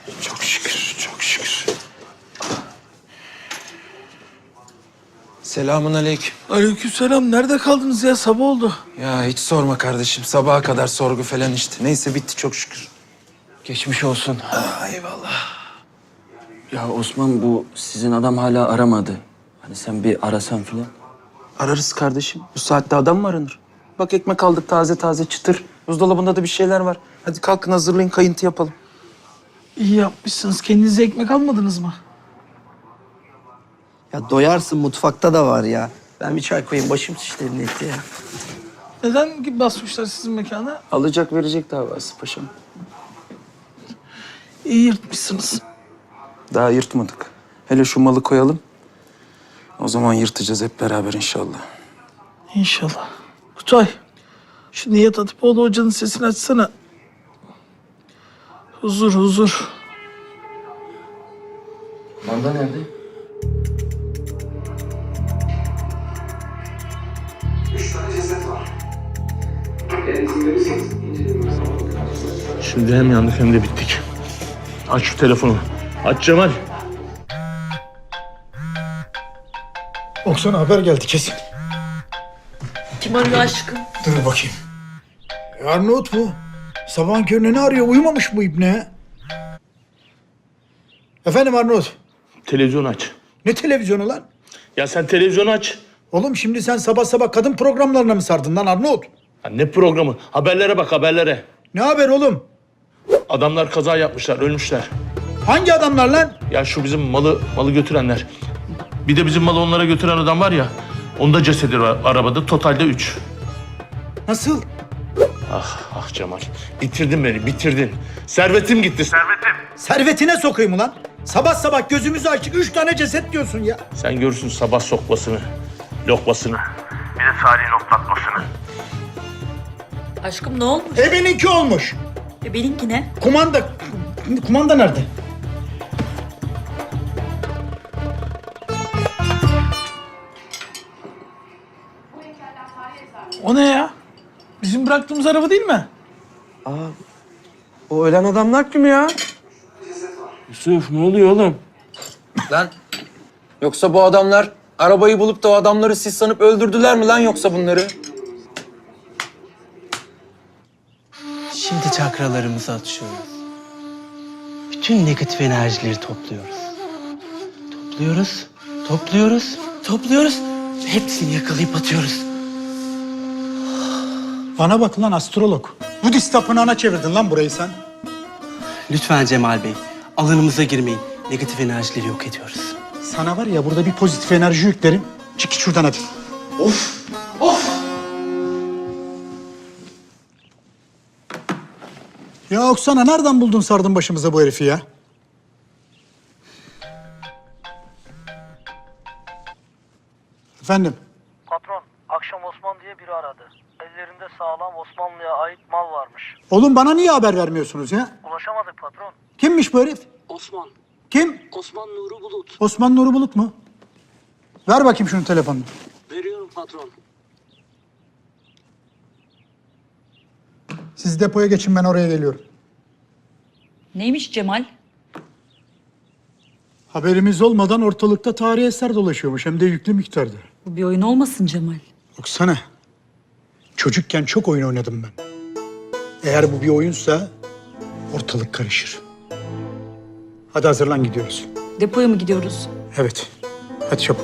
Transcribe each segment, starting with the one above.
Çok şükür, çok şükür. Selamun aleyküm. Aleykümselam. Nerede kaldınız ya? Sabah oldu. Ya hiç sorma kardeşim. Sabaha kadar sorgu falan işte. Neyse bitti çok şükür. Geçmiş olsun. Eyvallah. Ya Osman, bu sizin adam hala aramadı. Hani sen bir arasan filan. Ararız kardeşim. Bu saatte adam mı aranır? Bak ekmek aldık taze taze çıtır. Buzdolabında da bir şeyler var. Hadi kalkın hazırlayın kayıntı yapalım. İyi yapmışsınız. Kendinize ekmek almadınız mı? Ya doyarsın, mutfakta da var ya. Ben bir çay koyayım, başım şişleri etti ya. Neden basmışlar sizin mekana? Alacak verecek davası paşam. İyi yırtmışsınız. Daha yırtmadık. Hele şu malı koyalım. O zaman yırtacağız hep beraber inşallah. İnşallah. Kutay, şu Nihat Atipoğlu hocanın sesini açsana. Huzur, huzur. Manda nerede? Şimdi hem yandık hem de bittik. Aç şu telefonu. Aç Cemal. Oksana haber geldi kesin. Kim arıyor aşkım? Dur bakayım. Arnavut bu. Sabahın körüne ne arıyor? Uyumamış bu ibne. Efendim Arnavut. Televizyonu aç. Ne televizyonu lan? Ya sen televizyonu aç. Oğlum şimdi sen sabah sabah kadın programlarına mı sardın lan Arnavut? Ya ne programı? Haberlere bak, haberlere. Ne haber oğlum? Adamlar kaza yapmışlar, ölmüşler. Hangi adamlar lan? Ya şu bizim malı götürenler. Bir de bizim malı onlara götüren adam var ya. Onda cesedi var arabada. Totalde 3. Nasıl? Ah Cemal. Bitirdin beni, bitirdin. Servetim gitti, servetim. Servetine sokayım ulan. Sabah sabah gözümüzü açtık 3 tane ceset diyorsun ya. Sen görürsün sabah sokmasını, lokmasını. Bir de Salih'in oklatmasını. Aşkım ne olmuş? Benimki olmuş. Benimki ne? Kumanda nerede? O ne ya? Bizim bıraktığımız araba değil mi? O ölen adamlar kim ya? Yusuf, ne oluyor oğlum? Lan yoksa bu adamlar arabayı bulup da o adamları siz sanıp öldürdüler mi lan yoksa bunları? Şimdi çakralarımızı açıyoruz. Bütün negatif enerjileri topluyoruz. Topluyoruz, topluyoruz, topluyoruz. Hepsini yakalayıp atıyoruz. Bana bak lan astrolog. Budist tapınağına çevirdin lan burayı sen. Lütfen Cemal Bey, alanımıza girmeyin. Negatif enerjileri yok ediyoruz. Sana var ya burada bir pozitif enerji yüklerim. Çık git şuradan hadi. Ya Oksana nereden buldun sardın başımıza bu herifi ya? Efendim? Patron, akşam Osman diye biri aradı. Ellerinde sağlam Osmanlı'ya ait mal varmış. Oğlum bana niye haber vermiyorsunuz ya? Ulaşamadık patron. Kimmiş bu herif? Osman, Kim? Osman Nuri Bulut. Osman Nuri Bulut mu? Ver bakayım şunun telefonunu. Veriyorum patron. Siz depoya geçin ben oraya geliyorum. Neymiş Cemal? Haberimiz olmadan ortalıkta tarihi eser dolaşıyormuş hem de yüklü miktarda. Bu bir oyun olmasın Cemal. Oksana, çocukken çok oyun oynadım ben. Eğer bu bir oyunsa ortalık karışır. Hadi hazırlan gidiyoruz. Depoya mı gidiyoruz? Evet, hadi çabuk.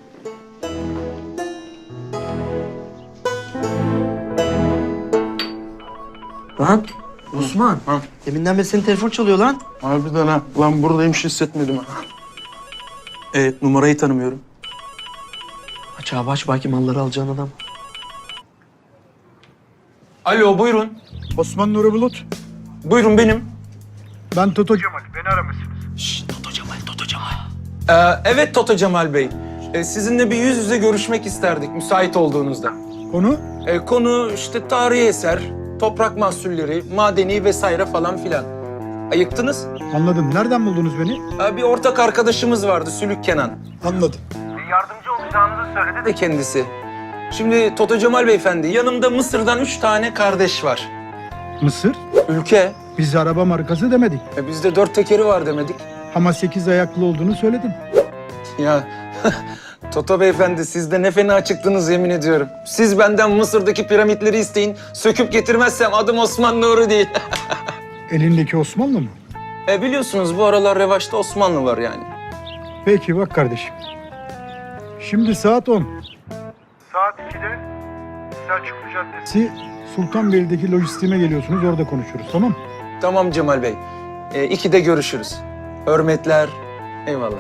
Lan Osman, deminden beri senin telefon çalıyor lan. Harbiden ha. Lan buradaymış hissetmedim ha. Evet numarayı tanımıyorum. Aç abi aç, belki malları alacağın adam. Alo buyurun. Osman Nuri Bulut, Buyurun benim. ben Toto Cemal. Beni aramışsınız. Evet Toto Cemal Bey. Sizinle bir yüz yüze görüşmek isterdik müsait olduğunuzda. Konu? Konu işte tarihi eser, toprak mahsulleri, madeni vesaire falan filan. Ayıktınız. Anladım. Nereden buldunuz beni? Bir ortak arkadaşımız vardı Sülük Kenan. Anladım. Yardımcı olacağınızı söyledi De kendisi. Şimdi Toto Cemal Beyefendi yanımda Mısır'dan 3 tane kardeş var. Mısır? Ülke. Biz araba markası demedik. Bizde 4 tekeri var demedik. Ama 8 ayaklı olduğunu söyledim. Ya Toto beyefendi siz de ne fena çıktınız yemin ediyorum. Siz benden Mısır'daki piramitleri isteyin. Söküp getirmezsem adım Osman Nuri değil. Elindeki Osmanlı mı? Biliyorsunuz bu aralar revaçta Osmanlı var yani. Peki bak kardeşim. Şimdi saat 10. Saat 2'de Selçuklu Caddesi Sultanbeyli'deki lojistiğime geliyorsunuz. Orada konuşuruz, tamam mı? Tamam Cemal Bey. 2'de görüşürüz. Hürmetler. Eyvallah.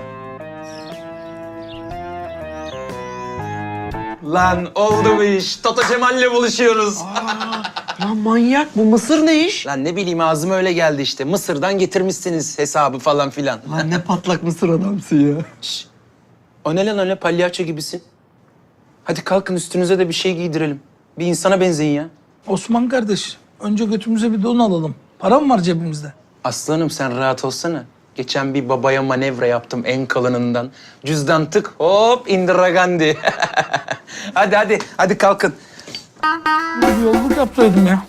Lan oldu bu iş. Toto Cemal'le buluşuyoruz. Lan manyak, bu Mısır ne iş? Lan ne bileyim ağzıma öyle geldi işte. Mısır'dan getirmişsiniz hesabı falan filan. Lan ne patlak Mısır adamsın ya. O ne lan öyle palyaço gibisin? Hadi kalkın üstünüze de bir şey giydirelim. Bir insana benzeyin ya. Osman kardeş, önce götümüze bir don alalım. Para mı var cebimizde? Aslanım sen rahat olsana. Geçen bir babaya manevra yaptım en kalınından. Cüzdan tık hop Indira Gandhi. hadi kalkın. Bir yolluk yapsaydım ya.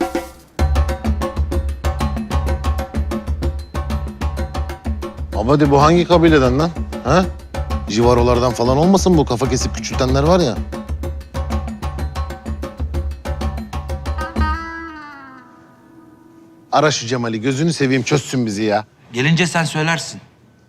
Abadi bu hangi kabileden lan? Ha? Jivarolardan falan olmasın bu kafa kesip küçültenler var ya. Ara şu Cemal'i gözünü seveyim çözsün bizi ya. Gelince sen söylersin.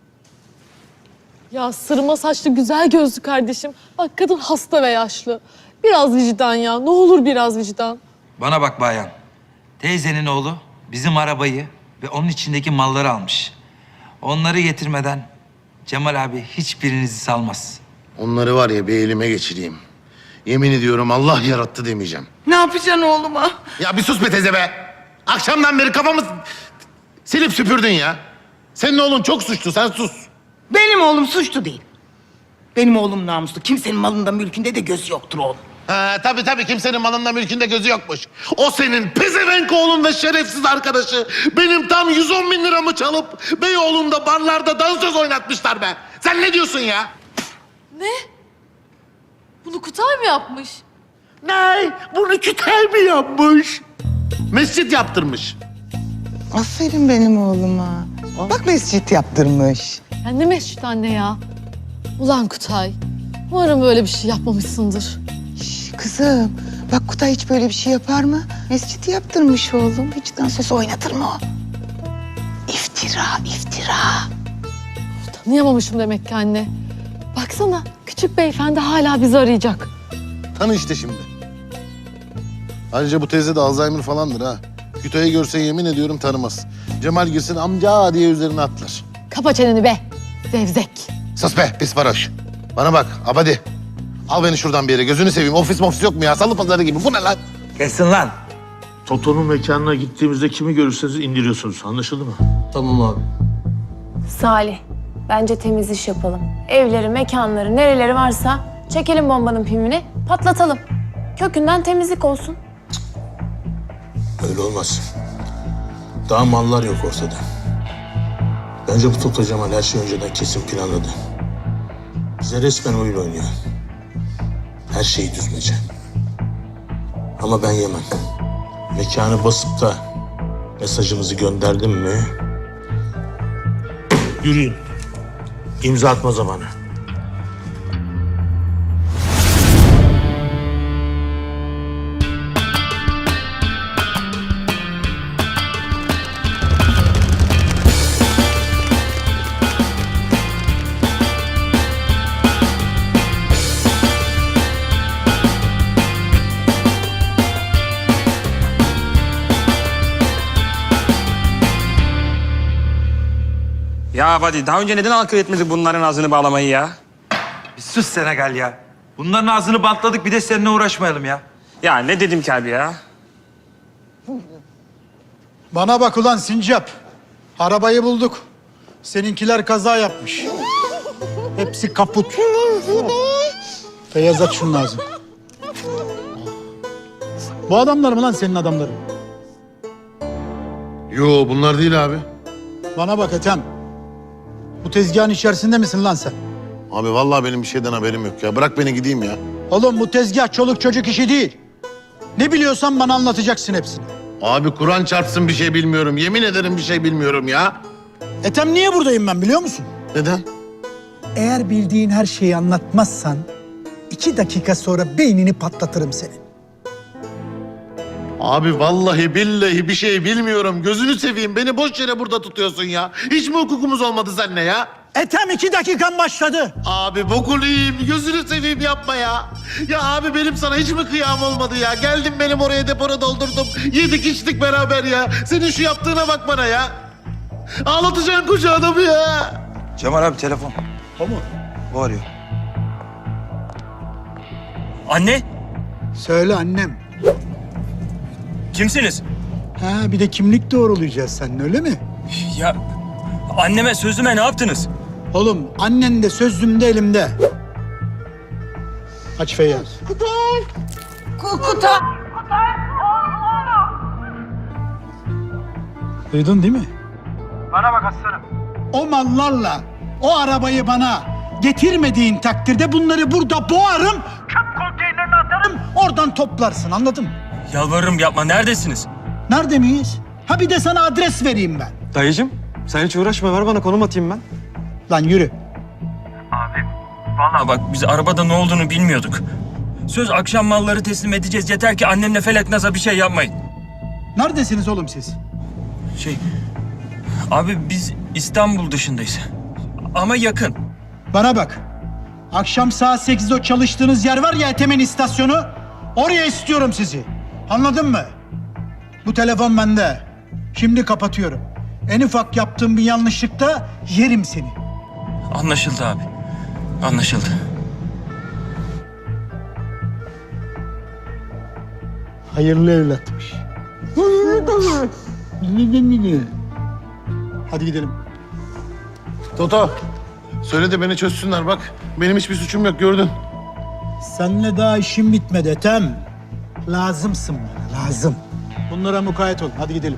Ya sırma saçlı güzel gözlü kardeşim. Bak kadın hasta ve yaşlı. Biraz vicdan ya. Ne olur biraz vicdan. Bana bak bayan. Teyzenin oğlu bizim arabayı ve onun içindeki malları almış. Onları getirmeden Cemal abi hiçbirinizi salmaz. Onları var ya bir elime geçireyim. Yemin ediyorum Allah yarattı demeyeceğim. Ne yapacaksın oğluma? Ya bir sus be teyze be. Akşamdan beri kafamı silip süpürdün ya. Senin oğlun çok suçlu sen sus. Benim oğlum suçlu değil. Benim oğlum namuslu. Kimsenin malında mülkünde de göz yoktur oğlum. Ha, tabii kimsenin malında mülkünde gözü yokmuş. O senin pezevenk oğlun ve şerefsiz arkadaşı benim tam 110 bin liramı çalıp Beyoğlu'nda barlarda dansöz oynatmışlar be. Sen ne diyorsun ya? Ne? Bunu Kutay mı yapmış? Ne? Bunu Kütahya mi yapmış? Mescit yaptırmış. Aferin benim oğluma. Bak mescit yaptırmış. Ya ne mescit anne ya? Ulan Kutay. Umarım böyle bir şey yapmamışsındır. Kızım, bak Kutay hiç böyle bir şey yapar mı? Mescit yaptırmış oğlum. Hiç dansöz oynatır mı o? İftira. Tanıyamamışım demek ki anne. Baksana küçük beyefendi hala bizi arayacak. Tanı işte şimdi. Ayrıca bu teyze de Alzheimer falandır ha. Kütahya'yı görse yemin ediyorum tanımaz. Cemal girsin amca diye üzerine atlar. Kapa çeneni be. Zevzek. Sus be pis varoş. Bana bak Abadi. Al beni şuradan bir yere gözünü seveyim. Ofis yok mu ya? Salı pazarı gibi. Bu ne lan? Kesin lan. Toto'nun mekanına gittiğimizde kimi görürseniz indiriyorsunuz. Anlaşıldı mı? Tamam abi. Salih, bence temiz iş yapalım. Evleri, mekanları, nereleri varsa çekelim bombanın pimini, patlatalım. Kökünden temizlik olsun. Öyle olmaz. Daha mallar yok ortada. Bence bu Toto Cemal her şeyi önceden kesin planladı. Bize resmen oyun oynuyor. Her şeyi düzmece. Ama ben yemem. Mekanı basıp da mesajımızı gönderdim mi? Yürüyün. İmza atma zamanı. Ya hadi daha önce neden akıl etmedik bunların ağzını bağlamayı ya? Bir sus Senegal ya. Bunların ağzını bantladık bir de seninle uğraşmayalım ya. Ya ne dedim ki abi ya? Bana bak ulan Sincap. Arabayı bulduk. Seninkiler kaza yapmış. Hepsi kaput. Beyaz aç şunun ağzını. Bu adamlar mı lan senin adamların? Yo bunlar değil abi. Bana bak Ethem. Bu tezgahın içerisinde misin lan sen? Abi vallahi benim bir şeyden haberim yok ya. Bırak beni gideyim ya. Oğlum bu tezgah çoluk çocuk işi değil. Ne biliyorsan bana anlatacaksın hepsini. Abi Kur'an çarpsın bir şey bilmiyorum. Yemin ederim bir şey bilmiyorum ya. Ethem niye buradayım ben biliyor musun? Neden? Eğer bildiğin her şeyi anlatmazsan 2 dakika sonra beynini patlatırım senin. Abi vallahi billahi bir şey bilmiyorum. Gözünü seveyim, beni boş yere burada tutuyorsun ya. Hiç mi hukukumuz olmadı seninle ya? Ethem 2 dakikan başladı. Abi bokunu yiyeyim, gözünü seveyim yapma ya. Ya abi benim sana hiç mi kıyam olmadı ya? Geldim benim oraya depora doldurdum. Yedik içtik beraber ya. Senin şu yaptığına bak bana ya. Ağlatacaksın koca adamı ya. Cemal abi telefon. O mu? O arıyor. Anne, Söyle annem. kimsiniz? Ha bir de kimlik doğrulayacağız seninle öyle mi? Ya anneme, sözüme ne yaptınız? Oğlum annen de sözüm de elimde. Aç Feyyaz. Kutay. Duydun değil mi? Bana bak aslanım. O mallarla o arabayı bana getirmediğin takdirde bunları burada boğarım. Çöp konteynerine atarım. Oradan toplarsın anladın mı? Yalvarırım yapma, neredesiniz? Nerede miyiz? Ha bir de sana adres vereyim ben. Dayıcım sen hiç uğraşma, ver bana konum atayım ben. Lan yürü. Vallahi bak biz arabada ne olduğunu bilmiyorduk. Söz akşam malları teslim edeceğiz, yeter ki annemle Felek Naz'a bir şey yapmayın. Neredesiniz oğlum siz? Abi biz İstanbul dışındayız. Ama yakın. Bana bak. Akşam saat 8'de o çalıştığınız yer var ya Ethem'in istasyonu. Oraya istiyorum sizi. Anladın mı? Bu telefon bende. Şimdi kapatıyorum. En ufak yaptığım bir yanlışlıkta yerim seni. Anlaşıldı abi. Anlaşıldı. Hayırlı evlatmış. Hadi gidelim. Toto, söyle de beni çözsünler bak. Benim hiçbir suçum yok gördün. Seninle daha işim bitmedi Ethem. Lazımsın bana, lazım. Bunlara mukayyet ol. Hadi gidelim.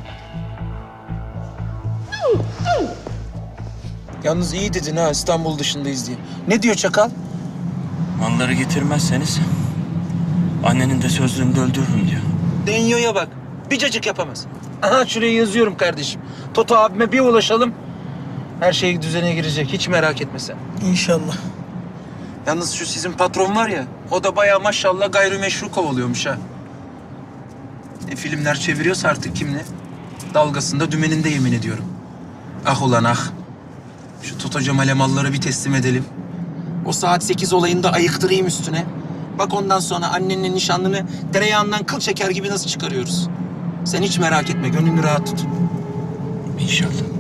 Yalnız iyi dedin ha İstanbul dışındayız diye. Ne diyor çakal? Malları getirmezseniz annenin de sözlüğünü de öldürürüm diyor. Denyo'ya bak. Bir cacık yapamaz. Aha şuraya yazıyorum kardeşim. Toto abime bir ulaşalım. Her şey düzene girecek. Hiç merak etme sen. İnşallah. Yalnız şu sizin patron var ya, o da bayağı maşallah gayrimeşru kovalıyormuş ha. Filmler çeviriyorsa artık kimle? Dalgasında dümeninde yemin ediyorum. Ah ulan ah. Şu Toto Cemal'e malları bir teslim edelim. O saat 8 olayında ayıktırayım üstüne. Bak ondan sonra annenle nişanlını tereyağından kıl çeker gibi nasıl çıkarıyoruz. Sen hiç merak etme, gönlünü rahat tut. İnşallah.